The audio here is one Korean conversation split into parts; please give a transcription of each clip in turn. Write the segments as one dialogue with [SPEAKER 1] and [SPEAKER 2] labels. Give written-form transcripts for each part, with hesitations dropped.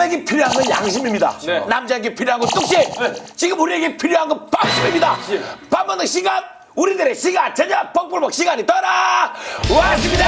[SPEAKER 1] 여자에게 필요한 건 양심입니다.
[SPEAKER 2] 네.
[SPEAKER 1] 남자에게 필요한 건 뚝심. 지금 우리에게 필요한 건 밥심입니다. 밥 먹는 시간, 우리들의 시간, 저녁 뻑불복 시간이 돌아왔습니다.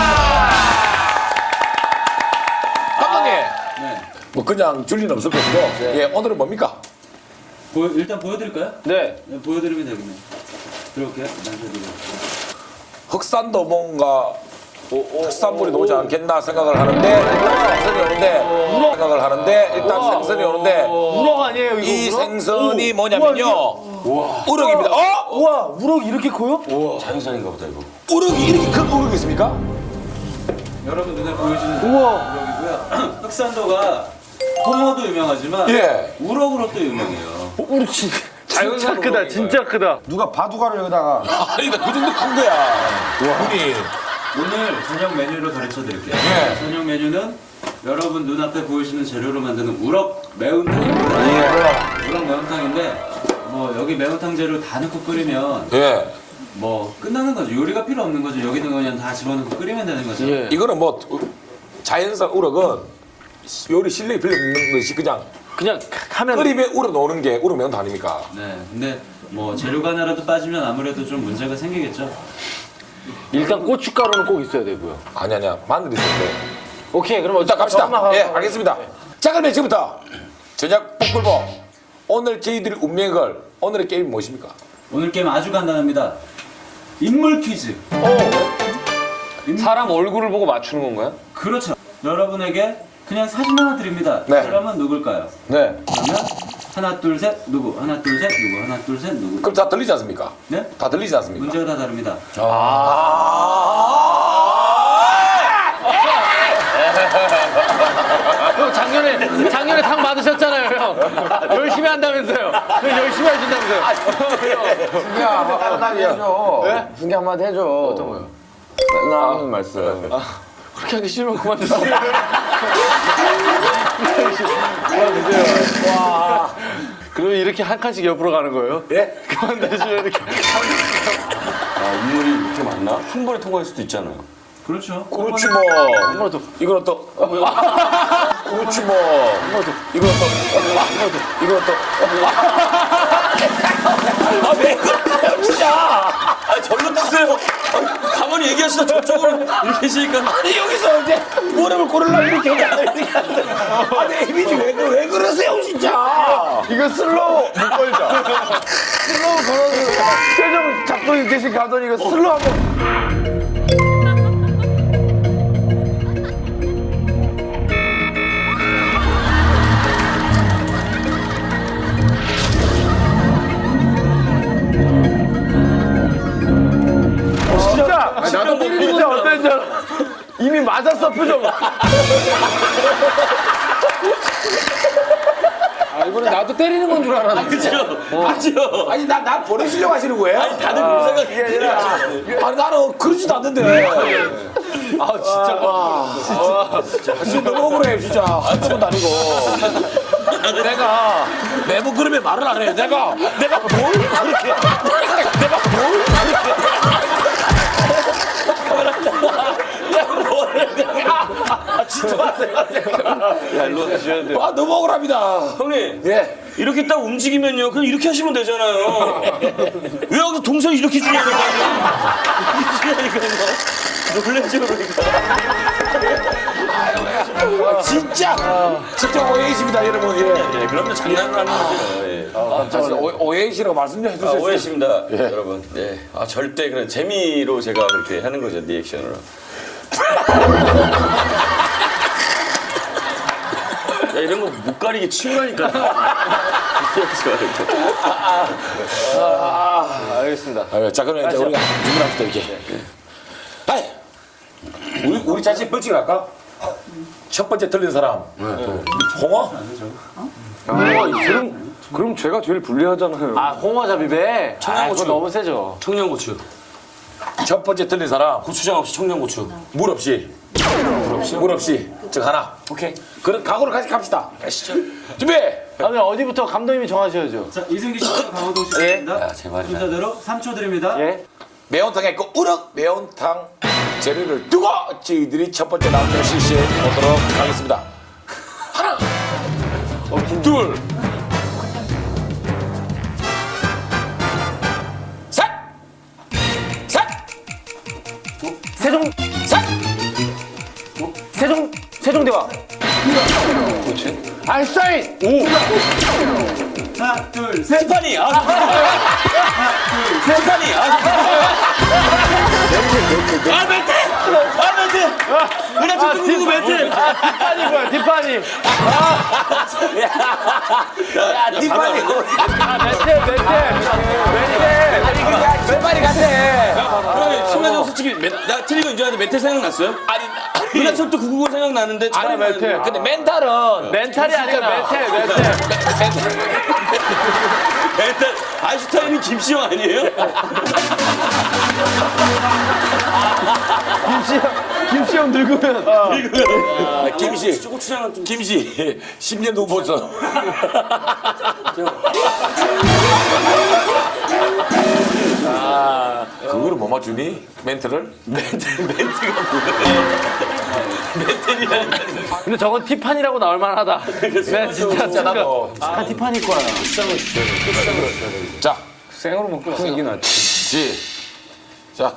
[SPEAKER 1] 감독님, 뭐 그냥 줄 일은 없을 것이고, 예, 오늘은 뭡니까?
[SPEAKER 3] 일단 보여드릴까요?
[SPEAKER 2] 네.
[SPEAKER 3] 네, 보여드리면 되겠네요. 들어올게요. 남자들이.
[SPEAKER 1] 흑산도 뭔가 특산물이 나오지 않겠나 생각을 하는데 일단 생선이 오는데
[SPEAKER 2] 우럭 아니에요, 이거?
[SPEAKER 1] 이
[SPEAKER 2] 우럭?
[SPEAKER 1] 생선이 뭐냐면요 우럭입니다.
[SPEAKER 2] 우와, 우럭 이렇게 커요?
[SPEAKER 3] 자연산인가 보다 이거.
[SPEAKER 1] 우럭이 이렇게 큰 우럭이 있습니까?
[SPEAKER 3] 여러분 눈에 보여지는
[SPEAKER 2] 우와.
[SPEAKER 3] 우럭이고요. 흑산도가 홍어도 유명하지만
[SPEAKER 1] 예.
[SPEAKER 3] 우럭으로 또 유명해요.
[SPEAKER 2] 우럭 진짜 크다, 진짜 크다.
[SPEAKER 4] 누가 바둑알을 여기다가
[SPEAKER 1] 아니다 그 정도 큰 거야. 우리
[SPEAKER 3] 오늘 저녁 메뉴를 가르쳐 드릴게요.
[SPEAKER 1] 예.
[SPEAKER 3] 저녁 메뉴는 여러분 눈앞에 보이시는 재료로 만드는 우럭 매운탕입니다. 우럭 매운탕인데 뭐 여기 매운탕 재료 다 넣고 끓이면
[SPEAKER 1] 예
[SPEAKER 3] 뭐 끝나는 거죠. 요리가 필요 없는 거죠. 여기는 그냥 다 집어넣고 끓이면 되는 거죠.
[SPEAKER 2] 예.
[SPEAKER 1] 이거는 뭐 자연산 우럭은 요리 실력이 필요 없는 것이 그냥
[SPEAKER 2] 하면
[SPEAKER 1] 끓이면 우럭 나오는 게 우럭 매운탕 아닙니까?
[SPEAKER 3] 네. 근데 뭐 재료가 하나라도 빠지면 아무래도 좀 문제가 생기겠죠.
[SPEAKER 2] 일단 고춧가루는 꼭 있어야 되고요.
[SPEAKER 1] 아니야 마늘 있었는데.
[SPEAKER 2] 오케이, 그럼
[SPEAKER 1] 일단 갑시다.
[SPEAKER 2] 엄마가-
[SPEAKER 1] 예, 알겠습니다. 자, 그러면 지금부터 저녁 뽀글보 오늘 저희들이 운명의 걸 오늘의 게임이 무엇입니까?
[SPEAKER 3] 오늘 게임 아주 간단합니다. 인물 퀴즈.
[SPEAKER 2] 사람 얼굴을 보고 맞추는 건가요?
[SPEAKER 3] 그렇죠. 여러분에게 그냥 사진 하나 드립니다.
[SPEAKER 1] 네.
[SPEAKER 3] 사람은 누굴까요?
[SPEAKER 1] 네.
[SPEAKER 3] 그러면 하나 둘 셋 누구 하나 둘 셋 누구 하나 둘 셋 누구.
[SPEAKER 1] 그럼 다 들리지 않습니까?
[SPEAKER 3] 네?
[SPEAKER 1] 다 들리지 않습니까?
[SPEAKER 3] 문제가 다 다릅니다.
[SPEAKER 2] 형 작년에 상 받으셨잖아요, 형. 열심히 한다면서요. 열심히 하신다면서요.
[SPEAKER 4] fun기 한마디 해줘. fun기 한마디 해줘. 어떤 거요? 맨날 하는 말씀.
[SPEAKER 2] 그렇게 하기 싫으면 그만두세요. 그만두세요. 와. 그러면 이렇게 한 칸씩 옆으로 가는 거예요?
[SPEAKER 1] 예?
[SPEAKER 2] 그만두시면 이렇게.
[SPEAKER 5] 인물이 이렇게 많나? 한 번에 통과할 수도 있잖아요.
[SPEAKER 3] 그렇죠.
[SPEAKER 1] 그렇지 뭐. 이거는 또. 그렇지 뭐. 이거는 또. 이거는 또. 아, 왜 그러세요, 진짜?
[SPEAKER 5] 아, 절로 드세요. 가만히 얘기하시다 저쪽으로 이렇게 계시니까.
[SPEAKER 1] 아니, 여기서 이제 무릎을 꿇으려고 이렇게 하잖아요. 아니, 이미지 왜 그러세요, 진짜?
[SPEAKER 4] 이거 슬로우 못 걸자. 슬로우 걸어서 표정 잡고 계신 감독님 이거 슬로우 한번. 진짜 나도 진짜 어땠는 줄 알아. 이미 맞았어 표정.
[SPEAKER 2] 아, 이거는 나도 때리는 건 줄 알았는데.
[SPEAKER 5] 그죠?
[SPEAKER 1] 아니, 나 보내시려고 하시는 거예요?
[SPEAKER 5] 다들 그런 생각이
[SPEAKER 1] 아니, 나는 그러지도 않는데.
[SPEAKER 2] 아, 진짜.
[SPEAKER 1] 진짜 너무 억울해, 진짜. 한쪽은 아니고. 내가 매번 그러면 말을 안 해. 내가 뭘 그렇게. 내가 뭘 그렇게. 진짜 맞아요.
[SPEAKER 5] 야, 일로 가셔야 돼요.
[SPEAKER 1] 아, 너무 억울합니다.
[SPEAKER 5] 형님,
[SPEAKER 1] 예.
[SPEAKER 5] 이렇게 딱 움직이면요. 그냥 이렇게 하시면 되잖아요. 왜 여기서 동선 이렇게 주냐니까요. 이렇게 주냐니까요. 놀래죠, 그러니까.
[SPEAKER 1] 진짜 오해이십니다, 여러분. 예.
[SPEAKER 5] 예, 그럼요. 장난을 하는 거죠. 예.
[SPEAKER 1] 사실 오해이시라고 말씀 좀
[SPEAKER 5] 아,
[SPEAKER 1] 해주세요.
[SPEAKER 5] 오해십니다, 여러분. 예. 아, 절대 그런 재미로 제가 그렇게 하는 거죠, 리액션으로. 야, 이런 거 못 가리게 치우라니까.
[SPEAKER 2] 알겠습니다.
[SPEAKER 1] 자, 그러면 이제 우리가 누구랑부터 이렇게. 아이, 우리 자신 벌칙을 할까? 첫 번째 틀린 사람. 홍어?
[SPEAKER 4] 그럼 제가 제일 불리하잖아요.
[SPEAKER 2] 아, 홍어잡이배?
[SPEAKER 5] 청양고추.
[SPEAKER 2] 그거 너무 세죠.
[SPEAKER 5] 청양고추.
[SPEAKER 1] 첫 번째 틀린 사람.
[SPEAKER 5] 고추장 없이 청양고추.
[SPEAKER 1] 물 없이. 물 없이. 즉 하나.
[SPEAKER 5] 오케이.
[SPEAKER 1] 그런 각오를 같이 갑시다.
[SPEAKER 5] 가시죠.
[SPEAKER 1] 준비!
[SPEAKER 2] 그러면 어디부터 감독님이 정하셔야죠.
[SPEAKER 3] 자, 이승기 씨와 강호동 씨입니다.
[SPEAKER 5] 야, 제발이다.
[SPEAKER 3] 순서대로 3초 드립니다.
[SPEAKER 2] 예?
[SPEAKER 1] 매운탕에 그 우럭 매운탕 재료를 두고 저희들이 첫 번째 라운드를 실시해 보도록 하겠습니다. 하나, 둘, 셋, 셋,
[SPEAKER 2] 세종대왕.
[SPEAKER 4] 아인슈타인.
[SPEAKER 3] 하나, 둘, 셋.
[SPEAKER 5] 티파니. 티파니. 멘트. 은하철도 999 멘트.
[SPEAKER 2] 티파니 뭐야, 티파니.
[SPEAKER 1] 야, 티파니.
[SPEAKER 4] 멘트 같아.
[SPEAKER 5] 그러면 순간적으로 솔직히 나 틀린 거 인정하는데 멘트 생각났어요?
[SPEAKER 1] 아니,
[SPEAKER 5] 은하철도 999 생각나는데
[SPEAKER 1] 아니,
[SPEAKER 2] 멘트.
[SPEAKER 1] 근데 멘탈은
[SPEAKER 2] 멘탈이 아니라 멘트.
[SPEAKER 5] 멘탈 아인슈타인이 김시영 아니에요?
[SPEAKER 2] 김시영 늙으면.
[SPEAKER 1] 김씨,
[SPEAKER 5] 고추장은 좀
[SPEAKER 1] 김씨, 10년 후보죠. 그거를 못 맞추니? 멘트를?
[SPEAKER 5] 멘트가 뭐야?
[SPEAKER 2] 근데 저건 티파니라고 나올 만하다. 네, 진짜
[SPEAKER 1] 나도.
[SPEAKER 2] 아, 티파니 거야.
[SPEAKER 1] 자,
[SPEAKER 2] 생으로 먹고 이게 낫지.
[SPEAKER 1] 자.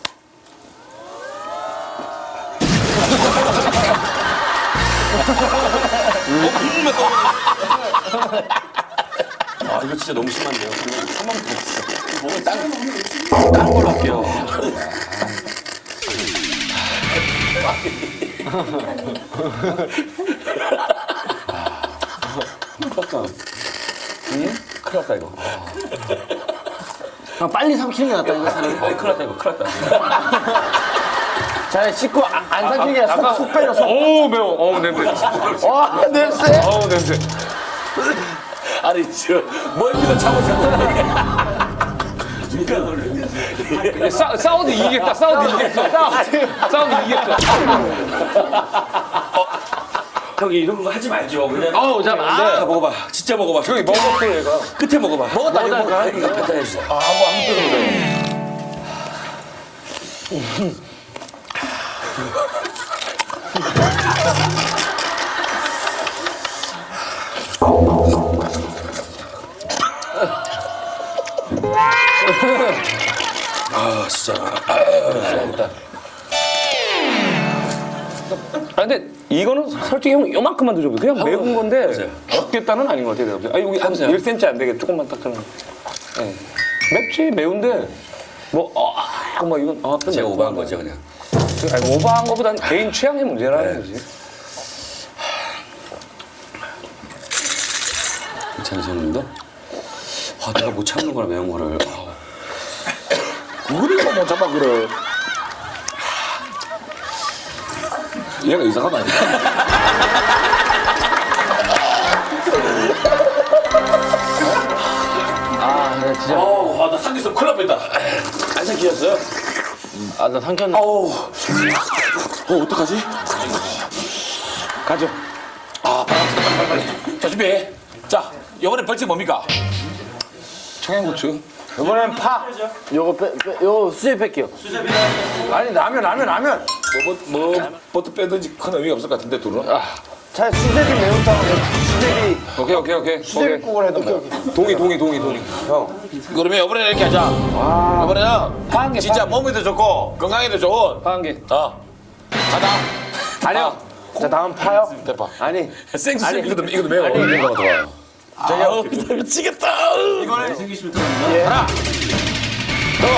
[SPEAKER 5] 아 이거 진짜 너무 심한데요. 한번 더 진짜 몸을 다른 걸로 할게요. 큰일 났다 이거.
[SPEAKER 2] 빨리 삼키는 게 낫다, 이거 사는.
[SPEAKER 5] 큰일 났다 이거. 큰일 났다.
[SPEAKER 2] 잘 씻고 안 삼키는 게 아니라 속 빼려, 속.
[SPEAKER 4] 어우 매워. 어우 냄새.
[SPEAKER 2] 와, 냄새.
[SPEAKER 4] 어우 냄새.
[SPEAKER 1] 아니, 멀미도 참으셨는데.
[SPEAKER 4] 사우드 이기겠다. 사우드 이기겠다.
[SPEAKER 5] 형이 이런 거 하지 말죠. 그냥.
[SPEAKER 4] 어우 자,
[SPEAKER 5] 다 먹어봐. 진짜 먹어봐.
[SPEAKER 4] 저기 먹었어 얘가.
[SPEAKER 5] 끝에 먹어봐.
[SPEAKER 1] 먹었다니까? 이거 갖다 해주세요.
[SPEAKER 4] 한번 뜯어보세요.
[SPEAKER 5] 아 진짜.
[SPEAKER 6] 아 근데 이거는 솔직히 형 요만큼만 드셔보세요. 그냥 매운 건데 죽겠다는 아닌 것 같아요. 내가. 아 여기 한 1cm 안 되게 조금만 딱 하면. 네. 맵지 매운데 뭐 이건 좀
[SPEAKER 5] 제가
[SPEAKER 6] 맵고.
[SPEAKER 5] 오버한 거죠 그냥.
[SPEAKER 6] 아니, 오버한 거보단 개인 취향의 문제라는 거지.
[SPEAKER 5] 장선님도 내가 못 참는 거라 매운 거를.
[SPEAKER 1] 우리가 못 잡아, 그래. 얘가 이상하다.
[SPEAKER 2] 나 진짜.
[SPEAKER 1] 나 삼겹살 큰일 날 뻔했다. 안 삼키셨어요?
[SPEAKER 2] 나 삼켰네.
[SPEAKER 1] 어떡하지?
[SPEAKER 6] 가죠.
[SPEAKER 1] 빨리. 자, 준비. 자, 이번엔 벌칙 뭡니까?
[SPEAKER 6] 청양고추.
[SPEAKER 2] 이번엔 파. 요거 수제 뺄게요.
[SPEAKER 4] 아니 라면.
[SPEAKER 1] 뭐부터 빼든지 큰 의미가 없을 것 같은데, 둘은?
[SPEAKER 2] 차 수제비 매운탕, 수제비
[SPEAKER 6] 오케이.
[SPEAKER 2] 수제비국을 해도.
[SPEAKER 6] 동의.
[SPEAKER 1] 그러면 이번에는 이렇게 하자. 이번에는 진짜 몸에도 좋고 건강에도 좋은
[SPEAKER 6] 파한 개.
[SPEAKER 1] 하나.
[SPEAKER 2] 아니요. 자, 다음 파요?
[SPEAKER 1] 대파.
[SPEAKER 2] 아니.
[SPEAKER 1] 생수쌤 이것도 매워. 이거 좋아요.
[SPEAKER 5] 아 미치겠다.
[SPEAKER 3] 이번에 생기시면 들어갑니다.
[SPEAKER 1] 하나. 둘.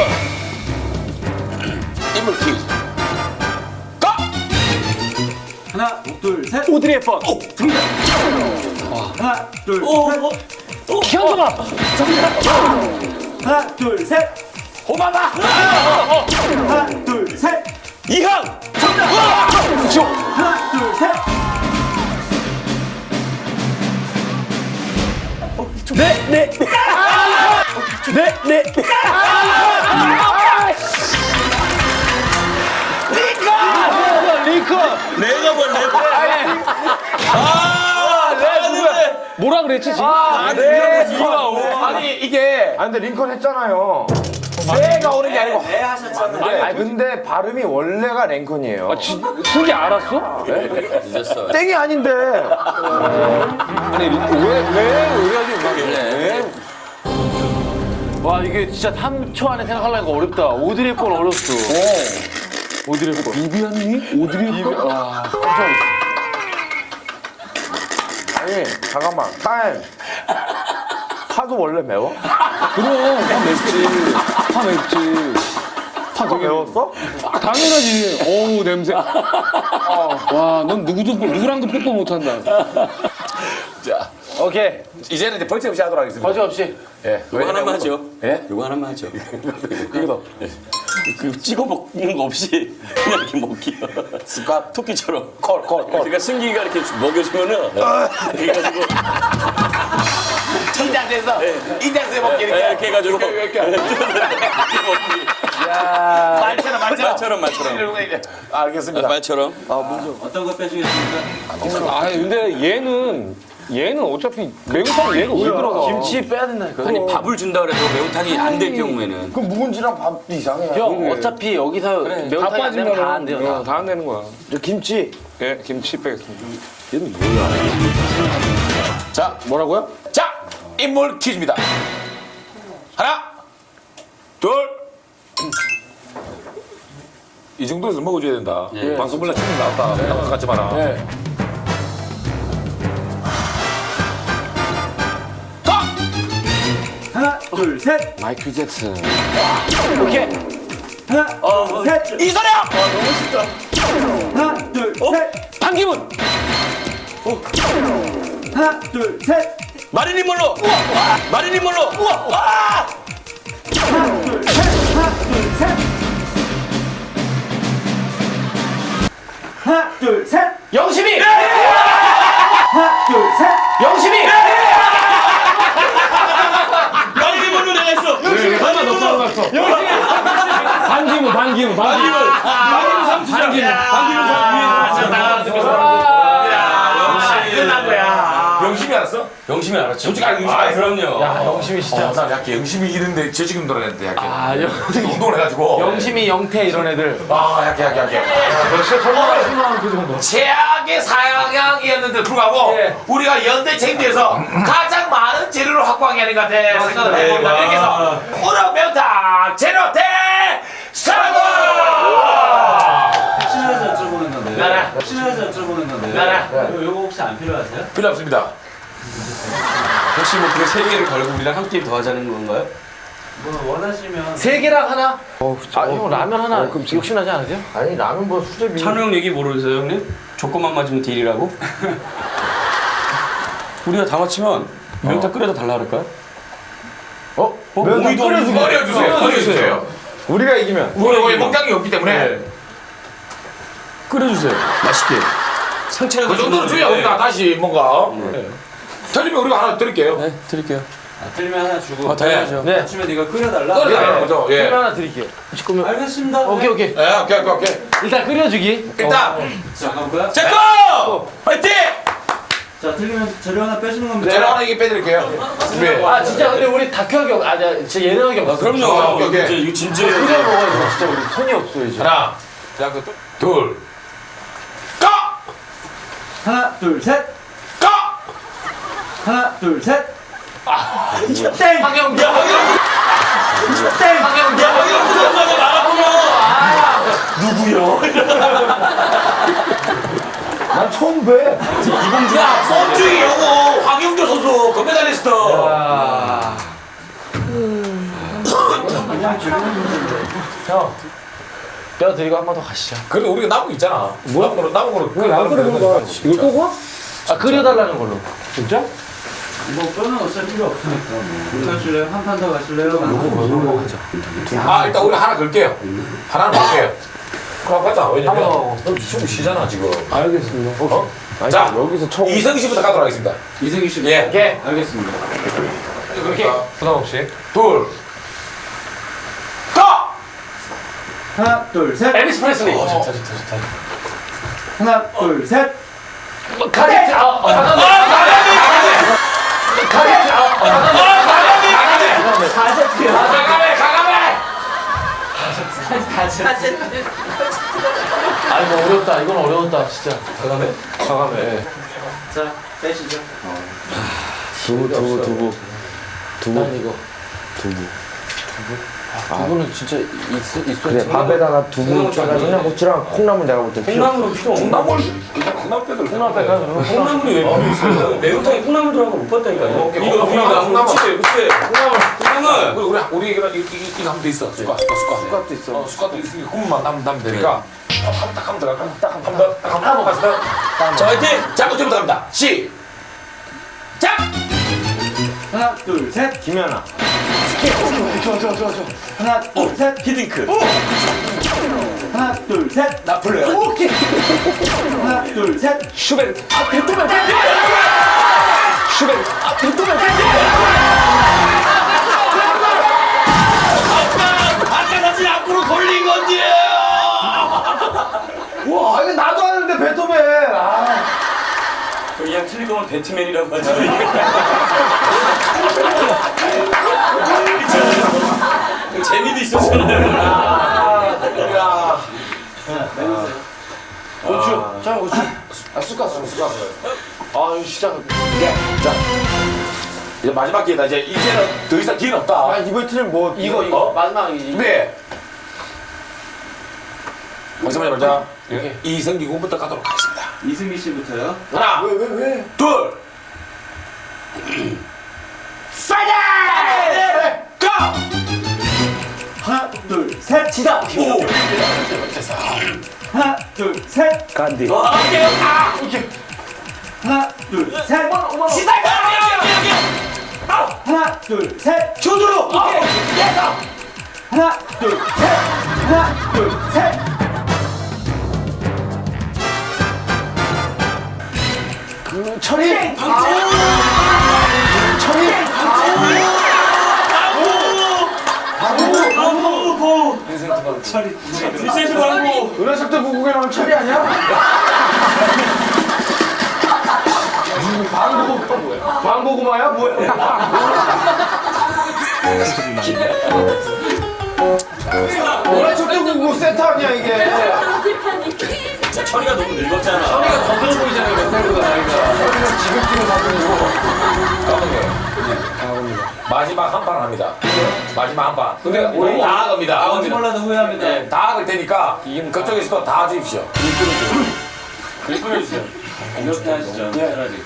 [SPEAKER 1] 인물 퀴즈. 가!
[SPEAKER 3] 하나, 둘, 셋.
[SPEAKER 2] 오드리 헵번.
[SPEAKER 3] 하나, 둘, 셋.
[SPEAKER 2] 현정아.
[SPEAKER 3] 하나, 둘, 셋.
[SPEAKER 1] 호마마.
[SPEAKER 3] 하나, 둘, 셋.
[SPEAKER 5] 이항.
[SPEAKER 3] 하나, 둘, 셋.
[SPEAKER 2] 네. 리콘.
[SPEAKER 5] 내가 뭘 내가.
[SPEAKER 6] 뭐라 그랬지 지금?
[SPEAKER 2] 아니, 이게.
[SPEAKER 4] 아니 근데 링컨 했잖아요. 내가 오는 게 아니고.
[SPEAKER 3] 네 하셨잖아요.
[SPEAKER 4] 아니 근데 발음이 원래가 랭컨이에요.
[SPEAKER 6] 승기 알았어?
[SPEAKER 1] 늦었어.
[SPEAKER 4] 땡이 아닌데.
[SPEAKER 6] 아니 왜 의뢰하지 음악에?
[SPEAKER 2] 와 이게 진짜 3초 안에 생각하려니까 어렵다. 오드리 헵번 어렵어. 오드리 헵번.
[SPEAKER 6] 비비안니? 오드리 헵번? 와.
[SPEAKER 4] 아니 잠깐만. 타임. 파도 원래 매워?
[SPEAKER 6] 그럼 파 맵지. 파 맵지.
[SPEAKER 4] 파도 매웠어?
[SPEAKER 6] 아, 당연하지. 어우 냄새. 와, 넌 누구랑도 뽀뽀 못한다.
[SPEAKER 1] 자,
[SPEAKER 4] 오케이.
[SPEAKER 1] 이제는 이제 벌칙 없이 하도록 하겠습니다.
[SPEAKER 4] 거짓 없이.
[SPEAKER 1] 예.
[SPEAKER 5] 요거 하나만 하죠.
[SPEAKER 1] 예?
[SPEAKER 5] 요거 하나만 하죠.
[SPEAKER 1] 이거도
[SPEAKER 5] 그 찍어 먹는 거 없이 그냥 이렇게 먹기요.
[SPEAKER 1] 습관.
[SPEAKER 5] 토끼처럼.
[SPEAKER 1] 콜.
[SPEAKER 5] 그러니까 승기가 이렇게 먹여주면은 그래가지고
[SPEAKER 1] 이 자세에서 이 자세에 먹기
[SPEAKER 5] 이렇게 해가지고
[SPEAKER 1] 말처럼. 알겠습니다.
[SPEAKER 5] 말처럼.
[SPEAKER 3] 어떤 거 빼주겠습니까?
[SPEAKER 6] 아, 근데 얘는 어차피 매운탕 얘가 왜 들어가?
[SPEAKER 4] 김치 빼야 된다니까.
[SPEAKER 5] 아니 밥을 준다 그래서 매운탕이 안 될 경우에는
[SPEAKER 4] 그럼 묵은지랑 밥도 이상해.
[SPEAKER 2] 형 어차피 여기서
[SPEAKER 6] 다
[SPEAKER 2] 매운탕이 안 되면
[SPEAKER 6] 빠지면
[SPEAKER 2] 다 안 돼요.
[SPEAKER 6] 다 안 되는 거야.
[SPEAKER 4] 저 김치.
[SPEAKER 6] 예, 김치 빼겠습니다.
[SPEAKER 1] 자,
[SPEAKER 4] 뭐라고요?
[SPEAKER 1] 자, 인물 퀴즈입니다. 하나, 둘. 이 정도에서 먹어줘야 된다. 방송물라 충분 나왔다. 생각하지 마라. 가!
[SPEAKER 3] 하나, 둘, 셋.
[SPEAKER 2] 마이클 잭슨.
[SPEAKER 3] 오케이. 하나, 셋.
[SPEAKER 1] 이소룡!
[SPEAKER 3] 하나, 둘, 셋.
[SPEAKER 6] 판기문!
[SPEAKER 3] 하나, 둘, 셋.
[SPEAKER 5] 마릴린 몰로. 마릴린 몰로.
[SPEAKER 3] 하나, 둘, 셋. 하나, 둘, 셋. 하나, 둘, 셋.
[SPEAKER 4] 영심이.
[SPEAKER 3] 하나, 둘, 셋.
[SPEAKER 4] 영심이.
[SPEAKER 5] 마릴린 몰로 내가 했어.
[SPEAKER 6] 하나 더 따라갔어. 반기문.
[SPEAKER 5] 방기문 삼수장.
[SPEAKER 1] 끝난 거야. 영심이 알았어?
[SPEAKER 5] 영심이 알았죠.
[SPEAKER 1] 솔직히 알고
[SPEAKER 5] 그럼요.
[SPEAKER 4] 영심이 진짜.
[SPEAKER 1] 나 약간 영심이 이기는데 저 지금 돌아냈는데 약간.
[SPEAKER 4] 아,
[SPEAKER 1] 운동을 해가지고.
[SPEAKER 4] 영심이 영태 이런 애들.
[SPEAKER 1] 아, 약해. 최악의 사양이었는데 불구하고 우리가 연대 책임에서 가장 많은 재료를 확보한 게 아닌가 생각을 해봅니다. 이렇게 해서 우럭 매운탕 재료 대성공!
[SPEAKER 3] 친해서 여쭤보는 건데요.
[SPEAKER 1] 나라.
[SPEAKER 3] 친해서 여쭤보는 건데요.
[SPEAKER 1] 나라.
[SPEAKER 3] 요거 혹시 안 필요하세요?
[SPEAKER 1] 필요 없습니다.
[SPEAKER 5] 혹시 뭐 그 세 개를 걸고 우리랑 한 게임 더 하자는 건가요?
[SPEAKER 3] 뭐 원하시면
[SPEAKER 2] 세 개랑 하나? 아, 형 라면 하나 욕심나지 않으세요?
[SPEAKER 4] 아니 라면 뭐 수제비.
[SPEAKER 5] 찬우 형 얘기 모르세요 형님? 조건만 맞으면 딜이라고? 우리가 다 맞히면 매운탕 끓여다 달라 그럴까요?
[SPEAKER 4] 매운탕
[SPEAKER 1] 끓여주세요.
[SPEAKER 4] 우리가 이기면.
[SPEAKER 1] 우리 먹장이 없기 때문에
[SPEAKER 5] 끓여주세요. 맛있게. 상체라도
[SPEAKER 1] 그 정도는 줘야 우리가 다시 뭔가 틀리면 우리가 하나 드릴게요.
[SPEAKER 5] 네, 드릴게요.
[SPEAKER 3] 틀리면 하나 주고
[SPEAKER 5] 당연하죠.
[SPEAKER 3] 네. 맞추면 네가 끓여달라.
[SPEAKER 1] 끓여달라는 거죠. 예.
[SPEAKER 2] 하나 드릴게요.
[SPEAKER 3] 알겠습니다.
[SPEAKER 2] 오케이.
[SPEAKER 1] 오케이.
[SPEAKER 2] 일단 끓여주기.
[SPEAKER 1] 일단
[SPEAKER 3] 자, 가볼까요?
[SPEAKER 1] 제거 화이팅!
[SPEAKER 3] 자, 틀리면 재료 하나 빼주는 겁니다.
[SPEAKER 1] 제가 하나 이게 빼드릴게요. 네.
[SPEAKER 2] 아 진짜 근데 우리 다큐하기 진짜 예능하기 없어.
[SPEAKER 5] 그럼요.
[SPEAKER 1] 오케이.
[SPEAKER 5] 이제 이거 진짜
[SPEAKER 2] 끓여 먹어야지. 진짜 우리 손이 없어 이제.
[SPEAKER 1] 하나, 둘, 까!
[SPEAKER 3] 하나, 둘, 셋.
[SPEAKER 1] 까!
[SPEAKER 3] 하나, 둘, 셋.
[SPEAKER 2] 땡! 황영 땡! 황영
[SPEAKER 4] 난 처음 배.
[SPEAKER 1] 야, 손주희 영호 황영조 선수 금메달리스트.
[SPEAKER 4] 형. 뼈 드리고 한 번 더 가시죠.
[SPEAKER 1] 그래 우리가 남은 거 있잖아. 남은 거로.
[SPEAKER 4] 이걸 꼭 와? 아 끓여달라는 걸로. 진짜?
[SPEAKER 3] 뭐 뼈는 어차피 필요 없으니까. 뭐. 가실래요? 한 판 더 가실래요?
[SPEAKER 1] 아 일단 우리 하나 걸게요. 하나는 볼게요. 그럼 가자. 왜냐면 너 숨 쉬잖아 지금.
[SPEAKER 4] 알겠습니다.
[SPEAKER 1] 자
[SPEAKER 4] 여기서 총.
[SPEAKER 1] 이성희 씨부터 가도록 하겠습니다.
[SPEAKER 3] 이승기 씨.
[SPEAKER 1] 예.
[SPEAKER 3] 오케이. 알겠습니다.
[SPEAKER 1] 그렇게
[SPEAKER 6] 부담 없이.
[SPEAKER 1] 둘, 까!
[SPEAKER 3] 하나, 둘, 셋.
[SPEAKER 2] 엘비스 프레슬리.
[SPEAKER 3] 하나, 둘, 셋.
[SPEAKER 2] 가게.
[SPEAKER 1] 가가메!
[SPEAKER 2] 아니 뭐 어렵다. 이건 어려웠다 진짜. 과감해.
[SPEAKER 5] 자, 빼시죠.
[SPEAKER 2] 두부. 난 이거. 두부는 진짜 있어.
[SPEAKER 4] 그래 밥에다가 두부 짜가지고 고추랑 콩나물 내가 볼 때 필요 없어.
[SPEAKER 5] 콩나물은 필요 없나?
[SPEAKER 1] 콩나물 빼들.
[SPEAKER 4] 콩나물 뺄까 그러면?
[SPEAKER 5] 콩나물이 왜 필요 있어요? 매운탕에 콩나물 들어간 거 못 봤다니까요. 이거
[SPEAKER 1] 콩나물.
[SPEAKER 5] 그치? 콩나물.
[SPEAKER 1] 우리 이거 하면 돼 있어. 숟가락도 있어. 숟가락도 있으니까 국물만 남면 되니까. 딱 하면 들어가. 한번 갔어.
[SPEAKER 5] 자, 화이팅!
[SPEAKER 1] 자, 어제부터 갑니다. 시작.
[SPEAKER 3] 하나, 둘, 셋.
[SPEAKER 4] 김연아.
[SPEAKER 3] 하나, 둘, 셋.
[SPEAKER 5] 히딩크.
[SPEAKER 3] 하나, 둘, 셋.
[SPEAKER 1] 나폴레옹.
[SPEAKER 3] 오케이. 하나, 둘, 셋.
[SPEAKER 5] 슈베르트.
[SPEAKER 1] 아까 사진 앞으로 돌린 건지.
[SPEAKER 4] 와 이거 나도 하는데 베토벤. 아.
[SPEAKER 5] 그냥 틀릴 거면 배트맨이라고 하죠. 재미도 있었잖아요.
[SPEAKER 2] 고추. 자 고추. 숟가락. 아 이거 시작.
[SPEAKER 1] 자, 이제 마지막 기회다. 이제는 더 이상 기회는 없다.
[SPEAKER 4] 아 이번 틀은 뭐
[SPEAKER 2] 이거 마지막이지.
[SPEAKER 1] 네. 잠시만요, 자. 이승기 군부터 가도록 하겠습니다.
[SPEAKER 3] 이승기 씨부터요.
[SPEAKER 1] 하나,
[SPEAKER 4] 왜?
[SPEAKER 1] 둘, 파이팅! 고!
[SPEAKER 3] 하나, 둘, 셋.
[SPEAKER 5] 지다.
[SPEAKER 1] 오! 됐어.
[SPEAKER 3] 하나, 둘, 셋.
[SPEAKER 4] 간디.
[SPEAKER 1] 오케이.
[SPEAKER 3] 하나, 둘, 셋.
[SPEAKER 1] 시작!
[SPEAKER 3] 하나, 둘, 셋.
[SPEAKER 1] 조두루! 오케이! 됐어!
[SPEAKER 3] 하나, 둘, 셋. 하나, 둘, 셋.
[SPEAKER 4] 철이.
[SPEAKER 5] 리센트 광고.
[SPEAKER 4] 은하석도 구국에 나온 철이 아니야? 방고구마야 뭐야? 은하석도 구국 세트 아니야 이게?
[SPEAKER 5] 철이가 너무 늙었잖아.
[SPEAKER 2] 허리가 더 들어 보이잖아요. 맨날보다 나이가.
[SPEAKER 4] 지긋지긋 사주고.
[SPEAKER 1] 마지막 한 판 합니다. 마지막 한 판. 근데 우리 다 합니다.
[SPEAKER 3] 아무지 몰라도 후회합니다.
[SPEAKER 1] 네, 다 할 테니까 그쪽에서도 다 주십시오.
[SPEAKER 2] 글 끓여주세요.
[SPEAKER 3] 이렇게 하시죠. 차라리.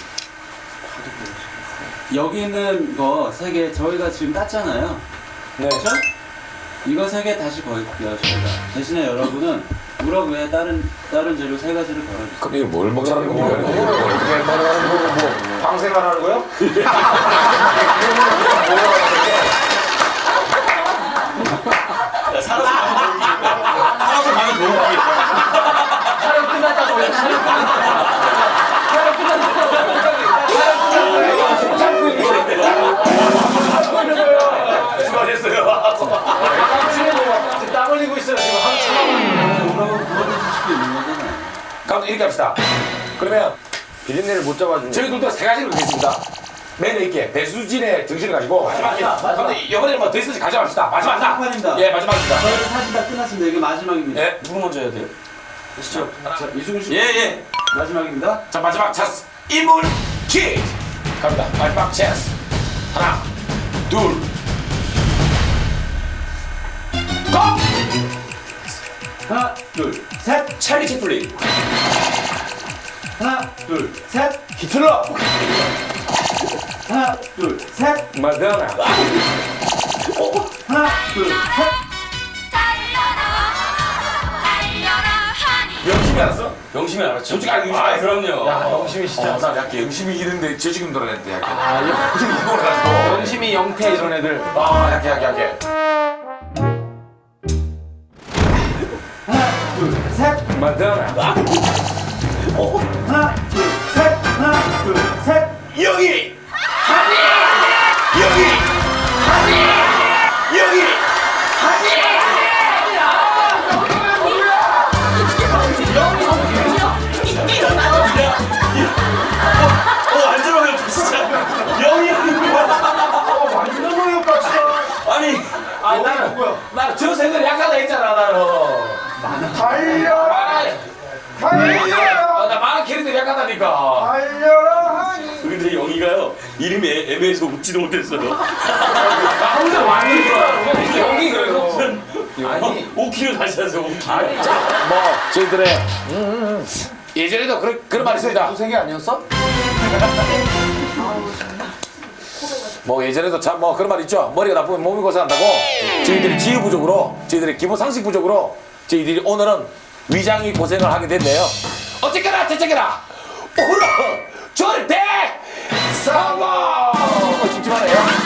[SPEAKER 3] 여기 있는 거 세 개 저희가 지금 땄잖아요.
[SPEAKER 4] 네.
[SPEAKER 3] 그렇죠? 이거 세 개 다시 걸게요 저희가. 대신에 여러분은 우럭 외에 다른 재료 세 가지를 걸어주세요.
[SPEAKER 1] 그럼 이거 뭘 먹으라는
[SPEAKER 4] 어떻게
[SPEAKER 1] 겁니까?
[SPEAKER 4] 말하는 거고 뭐 방생만 하는 거요?
[SPEAKER 5] 살아서 가면 너무 웃기겠다.
[SPEAKER 2] 촬영 끝났다고 원래 촬영 끝났다고.
[SPEAKER 1] 수고하셨어요.
[SPEAKER 2] 땀 흘리고 있어요 지금 한참.
[SPEAKER 3] 우럭은 구워드실 수도 있는 거잖아요.
[SPEAKER 1] 그럼 이렇게 합시다. 그러면
[SPEAKER 4] 비린내를 못 잡아주네.
[SPEAKER 1] 저희들도 세 가지를 드리겠습니다. 매너 있게 배수진의 정신을 가지고 마지막에 근데 이번에는 뭐 더 있을지 가져갑시다. 마지막이다.
[SPEAKER 3] 마지막입니다.
[SPEAKER 1] 예, 마지막입니다.
[SPEAKER 3] 저희도 사실 다 끝났습니다. 이게 마지막입니다.
[SPEAKER 1] 예.
[SPEAKER 5] 누구 먼저 해야 돼요?
[SPEAKER 3] 자, 이승우 씨
[SPEAKER 5] 예.
[SPEAKER 3] 마지막입니다.
[SPEAKER 1] 자, 마지막 찬스 인물 퀴즈 갑니다. 마지막 찬스 하나, 둘, 고!
[SPEAKER 3] 하나, 둘, 셋.
[SPEAKER 5] 찰리 채플린.
[SPEAKER 3] 하나, 둘, 셋.
[SPEAKER 4] 히틀러.
[SPEAKER 3] 하나, 둘, 셋.
[SPEAKER 4] 마다나.
[SPEAKER 3] 하나, 둘, 셋.
[SPEAKER 1] 영심이 알았어?
[SPEAKER 5] 영심이 알았죠?
[SPEAKER 1] 솔직히 알고
[SPEAKER 5] 아, 그럼요.
[SPEAKER 2] 야 영심이 진짜.
[SPEAKER 1] 나 약간 영심이 이런데 저지금 돌아냈대 약간.
[SPEAKER 2] 아
[SPEAKER 1] 지금 이걸 가지고.
[SPEAKER 2] 영심이 영태 이런 애들.
[SPEAKER 1] 아, 약해.
[SPEAKER 3] 하나, 둘, 셋.
[SPEAKER 4] 마다나.
[SPEAKER 3] 하나, 둘, 셋. 하나, 둘, 셋.
[SPEAKER 1] 여기! 여기! 여기!
[SPEAKER 5] 안 들어가요, 진짜. 영이
[SPEAKER 4] 완전 어이없다 진짜.
[SPEAKER 5] 아니,
[SPEAKER 1] 나는 저 생각을 약하다 했잖아, 나는.
[SPEAKER 4] 달려라 달려라
[SPEAKER 1] 나 많은 캐릭터를 약하다니까.
[SPEAKER 4] 달려라 하니
[SPEAKER 5] 근데 영희가요 이름이 애매해서 웃지도 못했어요.
[SPEAKER 1] 나 혼자 많이 들어. 연기 그래서.
[SPEAKER 5] 아니 5kg 다시 하세요 5kg.
[SPEAKER 1] 뭐 저희들의 예전에도 그런 말이 있습니다.
[SPEAKER 4] 두세 아니었어?
[SPEAKER 1] 뭐 예전에도 참 뭐 그런 말 있죠. 머리가 나쁘면 몸이 고생한다고. 저희들이 지휘 부족으로, 저희들의 기본 상식 부족으로 저희들이 오늘은 위장이 고생을 하게 됐네요. 어쨌거나 저쨌거나 오늘은 절대 성공! 찍지 말아요.